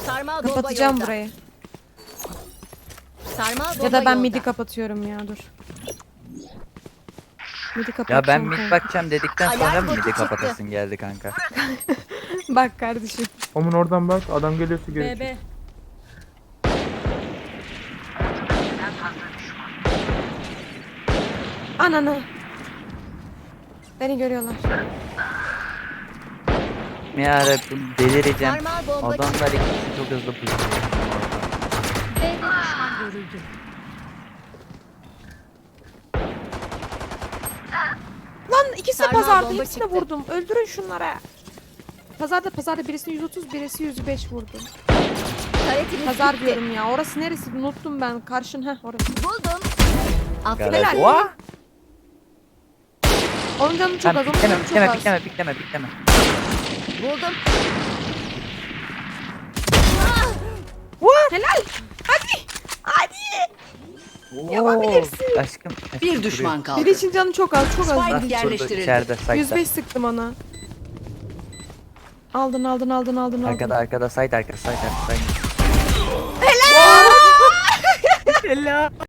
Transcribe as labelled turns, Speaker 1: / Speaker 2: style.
Speaker 1: Sarmal bomba
Speaker 2: Kapatacağım
Speaker 1: yolda.
Speaker 2: burayı.
Speaker 1: Sarmal bomba
Speaker 2: Ya da ben
Speaker 1: yolda.
Speaker 2: midi kapatıyorum ya, dur. Midi
Speaker 3: Ya
Speaker 2: kapatacağım.
Speaker 3: ben mid
Speaker 2: kanka.
Speaker 3: bakacağım dedikten
Speaker 1: Alarm
Speaker 3: sonra mı
Speaker 1: botu
Speaker 3: midi
Speaker 1: çıktı.
Speaker 3: kapatasın geldi kanka?
Speaker 2: Bak kardeşim.
Speaker 4: Omun oradan bak. Adam geliyorsa geri çık.
Speaker 1: BB.
Speaker 2: Ananı. Beni görüyorlar.
Speaker 3: Yarabbim delireceğim.
Speaker 1: Sarmal bomba
Speaker 3: Adamlar
Speaker 1: çıktı.
Speaker 3: ikisi çok hızlı pusuyor.
Speaker 1: B'de düşman görüldü.
Speaker 2: Lan ikisi de
Speaker 1: Sarmal
Speaker 2: pazarda,
Speaker 1: bomba
Speaker 2: hepsine
Speaker 1: çıktı.
Speaker 2: vurdum. Öldürün şunlara. Pazarda birisini 130, birisi 105 vurdum.
Speaker 1: Taretimiz
Speaker 2: Pazar
Speaker 1: gitti.
Speaker 2: diyorum ya. Orası neresi? Unuttum ben. Karşın orası.
Speaker 1: Buldum. Aferin.
Speaker 3: Garaj. Oha!
Speaker 2: Onun canı çok
Speaker 3: Lan
Speaker 2: az. Onun
Speaker 3: pikleme
Speaker 2: canı çok
Speaker 3: pikleme
Speaker 2: az.
Speaker 3: pikleme pikleme pikleme.
Speaker 1: Buldum.
Speaker 2: Helal. Hadi. Hadi. Yapabilirsin.
Speaker 3: Aşkım.
Speaker 5: Bir düşman kaldı.
Speaker 2: Biri için canı çok az. Çok az.
Speaker 5: Spike
Speaker 3: Şurada
Speaker 5: yerleştirildi.
Speaker 3: içeride sakla.
Speaker 2: 105 sıktım ona. Aldın.
Speaker 3: Arkada side arkada side arkada side.